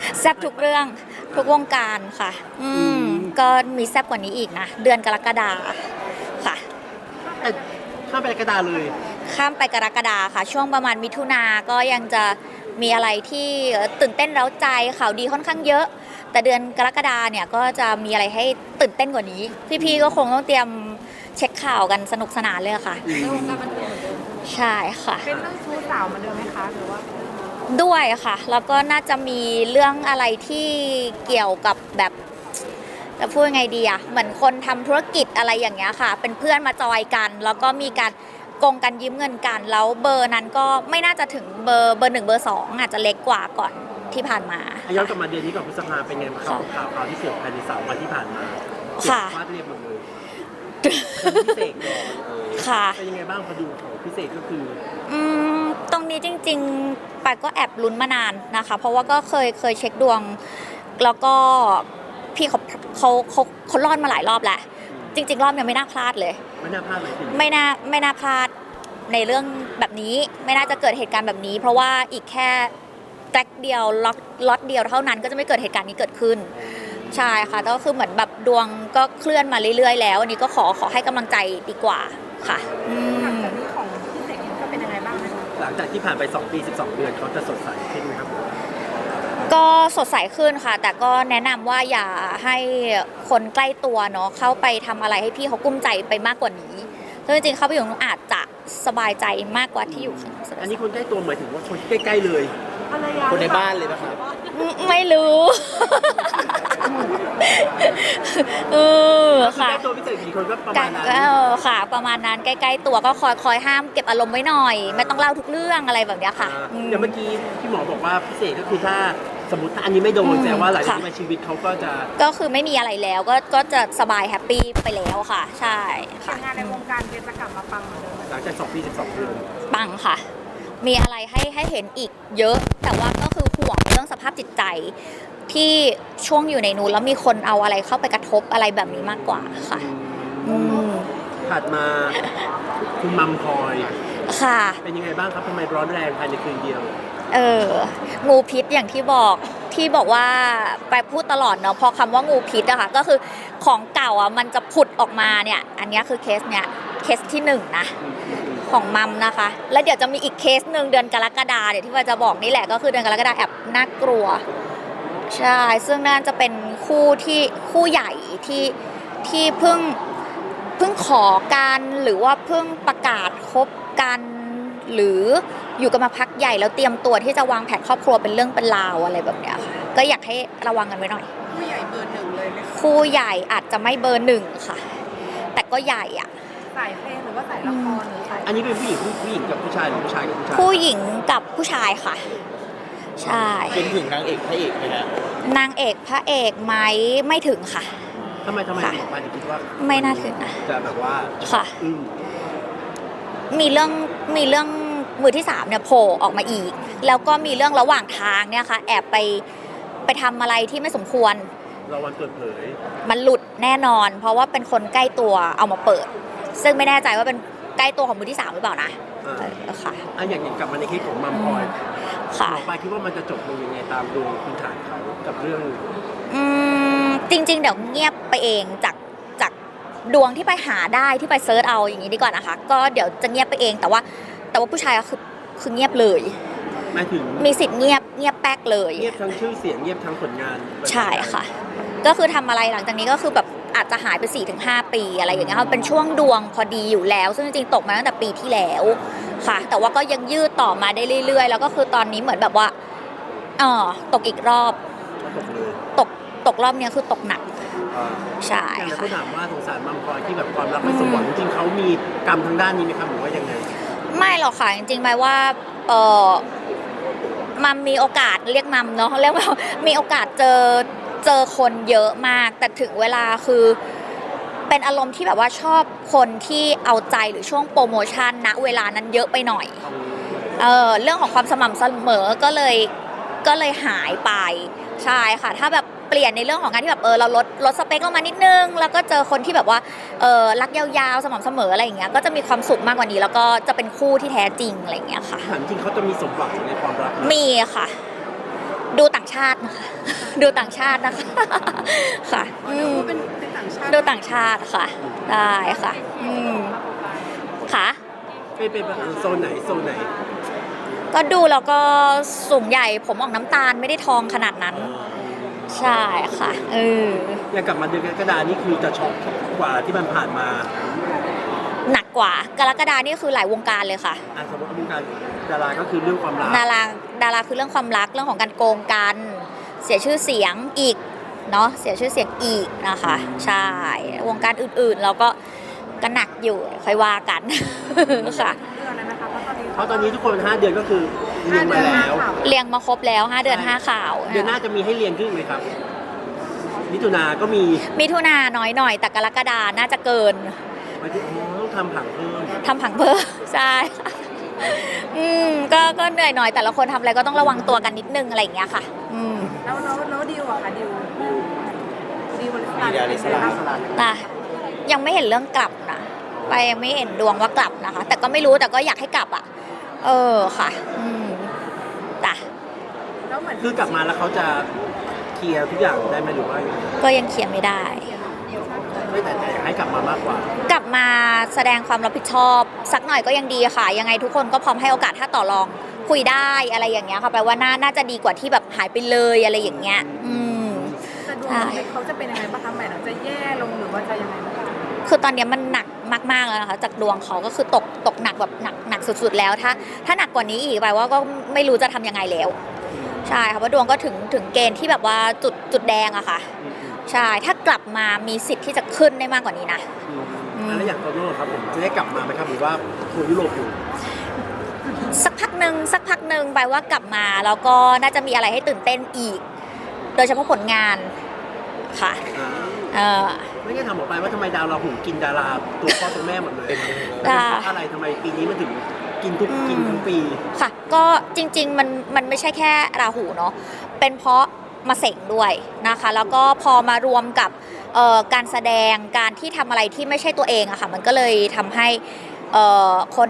แซ่บทุกเรื่องทุกวงการค่ะก็มีแซ่บกว่านี้อีกนะเดือนกรกฎาค่ะข้ามไปกระดาเลยข้ามไปกรกฎาค่ะช่วงประมาณมิถุนาก็ยังจะมีอะไรที่ตื่นเต้นเร้าใจข่าวดีค่อนข้างเยอะแต่เดือนกรกฎาเนี่ยก็จะมีอะไรให้ตื่นเต้นกว่านี้พี่ๆก็คงต้องเตรียมเช็คข่าวกันสนุกสนานเลยค่ะในวงการบันเทิงใช่ค่ะเป็นเรื่องชู้สาวเหมือนเดิมไหมคะหรือว่าด้วยค่ะแล้วก็น่าจะมีเรื่องอะไรที่เกี่ยวกับแบบจะพูดยังไงดีอะเหมือนคนทำธุรกิจอะไรอย่างเงี้ยค่ะเป็นเพื่อนมาจอยกันแล้วก็มีการโกงกันยืมเงินกันแล้วเบอร์นั้นก็ไม่น่าจะถึงเบอร์1เบอร์2อาจจะเล็กกว่าก่อนที่ผ่านมาย้อนกลับมาเดือนนี้ก่อนพฤษภาเป็นไงบ้างครับข่าวที่เกิดภายใน3 วันที่ผ่านมาค่ะฟาดเรียบหมดเลยพิเศษค่ะเป็นยังไงบ้างพอดูของพิเศษก็คือตรงนี้จริงๆปายก็แอบลุ้นมานานนะคะเพราะว่าก็เคยเช็คดวงแล้วก็พี่เขารอดมาหลายรอบแล้วจริงๆรอบนี้ไม่น่าพลาดเลยไม่น่าพลาดเลยไม่น่าพลาดในเรื่องแบบนี้ไม่น่าจะเกิดเหตุการณ์แบบนี้เพราะว่าอีกแค่แกลกเดียวล็อตเดียวเท่านั้นก็จะไม่เกิดเหตุการณ์นี้เกิดขึ้นใช่ค่ะก็คือเหมือนแบบดวงก็เคลื่อนมาเรื่อยๆแล้วอันนี้ก็ขอให้กำลังใจดีกว่าค่ะหลังจากนี้ของพี่เสกก็เป็นยังไงบ้างนะคะหลังจากที่ผ่านไป2 ปี 12 เดือนเขาจะสดใสขึ้นไหมครับก็สดใสขึ้นค่ะแต่ก็แนะนำว่าอย่าให้คนใกล้ตัวเนาะเข้าไปทำอะไรให้พี่เขากุ้มใจไปมากกว่านี้ซึ่งจริงๆเขาไปอยู่อาจจะสบายใจมากกว่าที่อยู่ข้างนอกอันนี้คนใกล้ตัวหมายถึงว่าคนใกล้ๆเลยคนในบ้านเลยนะครับไม่รู้ค่ะใกล้ตัวพิเศษกี่คนก็ประมาณนั้นค่ะประมาณนั้นใกล้ๆตัวก็คอยห้ามเก็บอารมณ์ไว้หน่อยไม่ต้องเล่าทุกเรื่องอะไรแบบนี้ค่ะเดี๋ยวเมื่อกี้พี่หมอบอกว่าพิเศษก็คือถ้าสมมติอันนี้ไม่โดนแสดงว่าหลังจากนี้ชีวิตเขาก็คือไม่มีอะไรแล้วก็จะสบายแฮปปี้ไปแล้วค่ะใช่ค่ะงานในวงการจะกลับมาปังเหมือนเดิมหลังจาก2 ปี 12 เดือนปังค่ะมีอะไรให้เห็นอีกเยอะแต่ว่าก็คือห่วงเรื่องสภาพจิตใจที่ช่วงอยู่ในนู้นแล้วมีคนเอาอะไรเข้าไปกระทบอะไรแบบนี้มากกว่าค่ะถัดมาคุณมัมพลอยค่ะเป็นยังไงบ้างครับทำไมร้อนแรงภายในคืนเดียวงูพิษอย่างที่บอกว่าไปพูดตลอดเนาะพอคำว่างูพิษอะค่ะก็คือของเก่าอะมันจะผุดออกมาเนี่ยอันนี้คือเคสที่1นะของมัมนะคะแล้วเดี๋ยวจะมีอีกเคสหนึ่งเดือนกรกฎาเดี๋ยวที่ว่าจะบอกนี่แหละก็คือเดือนกรกฎาแอบน่ากลัวใช่ซึ่งน่าจะเป็นคู่ใหญ่ที่เพิ่งขอกันหรือว่าเพิ่งประกาศคบกันหรืออยู่กันมาพักใหญ่แล้วเตรียมตัวที่จะวางแผนครอบครัวเป็นเรื่องเป็นราวอะไรแบบเนี้ยค่ะก็อยากให้ระวังกันไว้หน่อยคู่ใหญ่เบอร์1เลยไหมคู่ใหญ่อาจจะไม่เบอร์1ค่ะแต่ก็ใหญ่อะสายเพลงหรือว่าสายละครหรือสายอันนี้เป็นผู้หญิงกับผู้ชายหรือผู้ชายกับผู้ชายผู้หญิงกับผู้ชายค่ะใช่เป็นถึงนางเอกพระเอกไหมฮะนางเอกพระเอกไหมไม่ถึงค่ะทำไมถึงคิดว่าไม่น่าถึงนะจะแบบว่าค่ะมีเรื่องมือที่3เนี่ยโผล่ออกมาอีกแล้วก็มีเรื่องระหว่างทางเนี่ยค่ะแอบไปทำอะไรที่ไม่สมควรเราวันเปิดเผยมันหลุดแน่นอนเพราะว่าเป็นคนใกล้ตัวเอามาเปิดซึ่งไม่แน่ใจว่าเป็นใกล้ตัวของมือที่3หรือเปล่านะค่ะอย่างกลับมาในคลิปของมัมพลอยค่ะไปคิดว่ามันจะจบลงยังไงตามดวงพื้นฐานเขากับเรื่องจริงๆเดี๋ยวเงียบไปเองจากดวงที่ไปหาได้ที่ไปเซิร์ชเอาอย่างนี้ดีกว่านะคะก็เดี๋ยวจะเงียบไปเองแต่ว่าผู้ชายคือเงียบเลยหมายถึงมีสิทธิ์เงียบแป๊กเลยเงียบทั้งชื่อเสียงเงียบทั้งผลงานใช่ค่ะก็คือทำอะไรหลังจากนี้ก็คือแบบอาจจะหายไป 4-5 ปีอะไรอย่างเงี้ยเป็นช่วงดวงพอดีอยู่แล้วซึ่งจริงๆตกมาตั้งแต่ปีที่แล้วค่ะแต่ว่าก็ยังยืดต่อมาได้เรื่อยๆแล้วก็คือตอนนี้เหมือนแบบว่าตกอีกรอบตกรอบนี้คือตกหนักใช่ค่ะเขาถามว่าสงสารมัมพลอยที่แบบความรักไม่สมหวังจริงๆเขามีกรรมทางด้านนี้ไหมครับหรือว่ายังไงไม่หรอกค่ะจริงๆหมายว่ามัมมีโอกาสเรียกมัมเนาะเรียกว่ามีโอกาสเจอคนเยอะมากแต่ถึงเวลาคือเป็นอารมณ์ที่แบบว่าชอบคนที่เอาใจหรือช่วงโปรโมชั่นณเวลานั้นเยอะไปหน่อยเรื่องของความสม่ำเสมอก็เลยหายไปใช่ค่ะถ้าแบบเปลี่ยนในเรื่องของการที่แบบเราลดสเปคลงมานิดนึงแล้วก็เจอคนที่แบบว่ารักยาวๆสม่ำเสมออะไรอย่างเงี้ยก็จะมีความสุขมากกว่านี้แล้วก็จะเป็นคู่ที่แท้จริงอะไรอย่างเงี้ยค่ะถามจริงเขาจะมีสมหวังในความรักมีค่ะดูต่างชาตินะคะ ดูต่างชาตินะคะ ค่ะอ๋อเดี๋ยวว่าเป็นต่างชาติดูต่างชาติค่ะ ได้ค่ะค่ะเป็นโซนไหนก็ดูแล้วก็สูงใหญ่ผมออกน้ำตาลไม่ได้ทองขนาดนั้น ใช่ค่ะอย่างกลับมาเดือนกรกฎานี่คือจะช็อกกว่าที่มันผ่านมาหนักกว่ากรกฎานี่คือหลายวงการเลยค่ะสมมติวงการดาราก็คือเรื่องความรักดาราคือเรื่องความรักเรื่องของการโกงกันเสียชื่อเสียงอีกเนาะเสียชื่อเสียงอีกนะคะใช่วงการอื่นๆเราก็หนักอยู่ค่อยว่ากัน ค่ะเดือนเลยนะคะเพราะตอนนี้เพราะตอนนี้ทุกคน5 เดือนก็คือเรียนมาแล้วเรียงมาครบแล้ว5 เดือน 5 ข่าวเดือนหน้าจะมีให้เรียนขึ้นไหมครับมิถุนาก็มีมิถุนาน้อยหน่อยแต่กรกฎาน่าจะเกินต้องทำผังเพิ่มทำผังเพิ่ม ใช่ค่ะก็เหนื่อยหน่อยแต่ละคนทำอะไรก็ต้องระวังตัวกันนิดนึงอะไรอย่างเงี้ยค่ะแล้วดิวอะค่ะดิวบริษัทมีดาริสลานะยังไม่เห็นเรื่องกลับนะไปยังไม่เห็นดวงว่ากลับนะคะ แต่ก็ไม่รู้แต่ก็อยากให้กลับอ่ะค่ะจ้ะแล้วเหมือนคือกลับมาแล้วเขาจะเคลียร์ทุกอย่างได้ไหมหรือว่าก็ยังเคลียร์ไม่ได้ไม่แต่อยากให้กลับมามากกว่ากลับมาแสดงความรับผิดชอบสักหน่อยก็ยังดีค่ะ ยังไงทุกคนก็พร้อมให้โอกาสถ้าต่อรองคุยได้อะไรอย่างเงี้ยค่ะแปลว่าน่าจะดีกว่าที่แบบหายไปเลยอะไรอย่างเงี้ยจะดวงเขาจะเป็นยังไงบ้างคะหมายถึงจะแย่ลงหรือว่าจะยังไงบ้างคือตอนนี้มันหนักมากๆแล้วนะคะจากดวงเขาก็คือตกหนักแบบหนักสุดๆแล้วถ้าหนักกว่านี้อีกไปว่าก็ไม่รู้จะทำยังไงแล้วใช่ค่ะว่าดวงก็ถึงเกณฑ์ที่แบบว่าจุดแดงอะค่ะใช่ถ้ากลับมามีสิทธิ์ที่จะขึ้นได้มากกว่านี้นะแล้วอย่างโตโน่ครับผมจะได้กลับมาไหมครับหรือว่าทัวร์ยุโรปอยู่สักพักหนึ่งไปว่ากลับมาแล้วก็น่าจะมีอะไรให้ตื่นเต้นอีก โดยเฉพาะผลงานค่ะไม่งั้นถามออกไปว่าทำไมดาวราหูกินดาราตัวพ่อตัวแม่หมดเลยเป็นอะไรทำไมปีนี้มันถึงกินทุกปีค่ะก็จริงๆมันไม่ใช่แค่ราหูเนาะเป็นเพราะมาเสงด้วยนะคะแล้วก็พอมารวมกับการแสดงการที่ทำอะไรที่ไม่ใช่ตัวเองอะค่ะมันก็เลยทำให้คน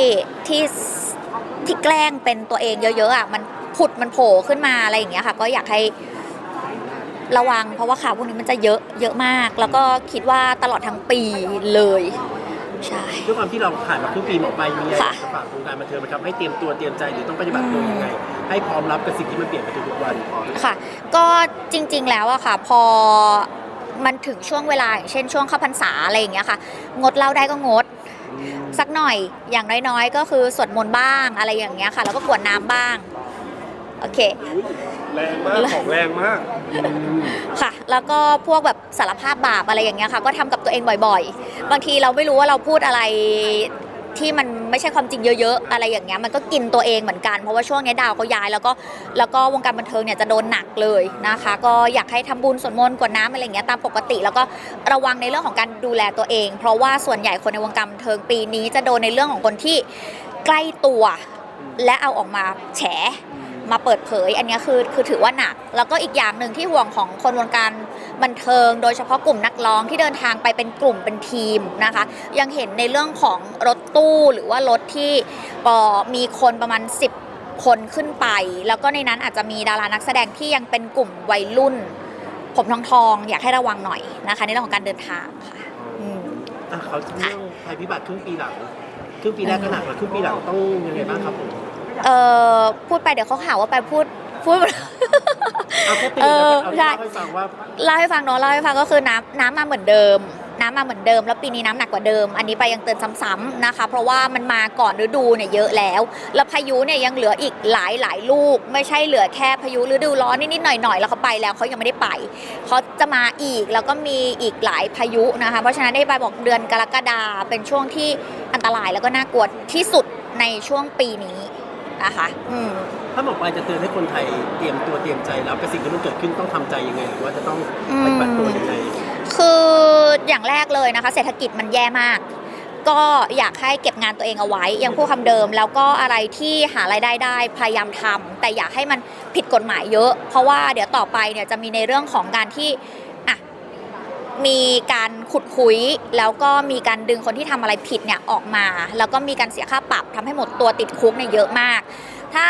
ที่แกล้งเป็นตัวเองเยอะๆอะมันโผล่ขึ้นมาอะไรอย่างเงี้ยค่ะก็อยากให้ระวังเพราะว่าข่าวพวกนี้มันจะเยอะมากแล้วก็คิดว่าตลอดทั้งปีเลยใช่ด้วยความที่เราผ่านมาครึ่งปีหมอไปมีอะไรจะฝากวงการบันเทิงไหมครับให้เตรียมตัวเตรียมใจหรือต้องปฏิบัติตัวยังไงให้พร้อมรับกับสิ่งที่มันเปลี่ยนไปทุกวันค่ะก็จริงๆแล้วอะค่ะพอมันถึงช่วงเวลาอย่างเช่นช่วงเข้าพรรษาอะไรอย่างเงี้ยค่ะงดเหล้าได้ก็งดสักหน่อยอย่างน้อยๆก็คือสวดมนต์บ้างอะไรอย่างเงี้ยค่ะแล้วก็กรวดน้ำบ้างโอเคแรงมากของแรงมากค่ะแล้วก็พวกแบบสารภาพบาปอะไรอย่างเงี้ยค่ะก็ทำกับตัวเองบ่อยๆบางทีเราไม่รู้ว่าเราพูดอะไรที่มันไม่ใช่ความจริงเยอะๆอะไรอย่างเงี้ยมันก็กินตัวเองเหมือนกันเพราะว่าช่วงนี้ดาวเขาย้ายแล้วก็วงการบันเทิงเนี่ยจะโดนหนักเลยนะคะก็อยากให้ทำบุญสวดมนต์กรวดน้ำอะไรอย่างเงี้ยตามปกติแล้วก็ระวังในเรื่องของการดูแลตัวเองเพราะว่าส่วนใหญ่คนในวงการบันเทิงปีนี้จะโดนในเรื่องของคนที่ใกล้ตัวและเอาออกมาแฉมาเปิดเผยอันนี้คือถือว่าหนักแล้วก็อีกอย่างหนึ่งที่ห่วงของคนวงการบันเทิงโดยเฉพาะกลุ่มนักร้องที่เดินทางไปเป็นกลุ่มเป็นทีมนะคะยังเห็นในเรื่องของรถตู้หรือว่ารถที่มีคนประมาณ10 คนขึ้นไปแล้วก็ในนั้นอาจจะมีดารานักแสดงที่ยังเป็นกลุ่มวัยรุ่นผมทองอยากให้ระวังหน่อยนะคะในเรื่องของการเดินทางค่ะเขาเรื่องภัยพิบัติครึ่งปีหลังครึ่งปีแรกก็หนักแล้วครึ่งปีหลังต้องยังไงบ้างครับผมพูดไปเดี๋ยวเขาหาว่าไปพูดเอาแค่ตีเล่าให้ฟังว่าเล่าให้ฟังเนาะเล่าให้ฟังก็คือน้ำมาเหมือนเดิมแล้วปีนี้น้ำหนักกว่าเดิมอันนี้ไปยังเตือนซ้ำๆนะคะเพราะว่ามันมาก่อนฤดูเนี่ยเยอะแล้วพายุเนี่ยยังเหลืออีกหลายลูกไม่ใช่เหลือแค่พายุฤดูร้อนนิดๆหน่อยๆแล้วเขาไปแล้วเขายังไม่ได้ไปเขาจะมาอีกแล้วก็มีอีกหลายพายุนะคะเพราะฉะนั้นได้ไปบอกเดือนกรกฎาเป็นช่วงที่อันตรายแล้วก็น่ากลัวที่สุดในช่วงปีนี้นะคะถ้าหมอปลายจะเตือนให้คนไทยเตรียมตัวเตรียมใจแล้วกับสิ่งที่มันเกิดขึ้นต้องทำใจยังไงหรือว่าจะต้องปฏิบัติตัวยังไงคืออย่างแรกเลยนะคะเศรษฐกิจมันแย่มากก็อยากให้เก็บงานตัวเองเอาไว้ยังพูดคำเดิมแล้วก็อะไรที่หารายได้ได้พยายามทำแต่อยากให้มันผิดกฎหมายเยอะเพราะว่าเดี๋ยวต่อไปเนี่ยจะมีในเรื่องของการที่มีการขุดคุยแล้วก็มีการดึงคนที่ทำอะไรผิดเนี่ยออกมาแล้วก็มีการเสียค่าปรับทำให้หมดตัวติดคุกเนี่ยเยอะมากถ้า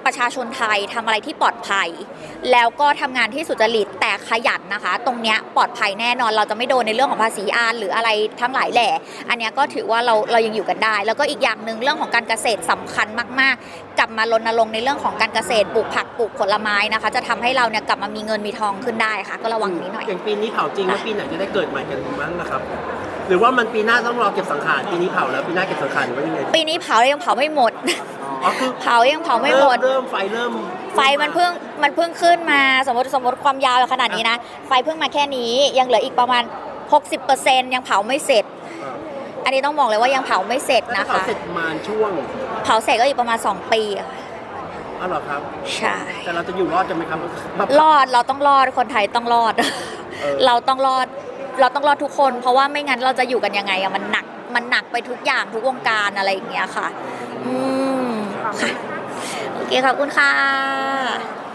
ประชาชนไทยทำอะไรที่ปลอดภัย แล้วก็ทำงานที่สุจริตแต่ขยันนะคะ ตรงเนี้ยปลอดภัยแน่นอนเราจะไม่โดนในเรื่องของภาษีอานหรืออะไรทั้งหลายแหล่อันเนี้ยก็ถือว่าเรายังอยู่กันได้ แล้วก็อีกอย่างหนึ่งเรื่องของการเกษตรสำคัญมากๆ กลับมารณรงค์ในเรื่องของการเกษตรปลูกผักปลูกผลไม้นะคะ จะทำให้เราเนี่ยกลับมามีเงินมีทองขึ้นได้ค่ะ ก็ระวังนี้หน่อยอย่างปีนี้เผาจริงแล้วปีไหนจะได้เกิดใหม่กันบ้างนะครับ หรือว่ามันปีหน้าต้องรอเก็บสังขารปีนี้เผาแล้วปีหน้าเก็บสังขารหรือว่ายังไงปีนี้เผายังเผาไม่หมดอ๋อคือเผายังเผาไม่หมดเริ่มไฟเริ่มไฟมันเพิ่งขึ้นมาสมมติความยาวขนาดนี้นะ ไฟเพิ่งมาแค่นี้ยังเหลืออีกประมาณ 60%ยังเผาไม่เสร็จ อันนี้ต้องบอกเลยว่ายังเผาไม่เสร็จแล้วนะเผาคะเสร็จประมาณช่วงเผาเสร็จก็อีกประมาณ2 ปีอะค่ะอ๋อเหรอครับใช่แต่เราจะอยู่รอดกันไหมครับรอดเราต้องรอดคนไทยต้องรอด เราต้องรอดทุกคน เพราะว่าไม่งั้นเราจะอยู่กันยังไงอะมันหนักไปทุกอย่างทุกวงการอะไรอย่างเงี้ยค่ะ ค่ะโอเคขอบคุณค่ะ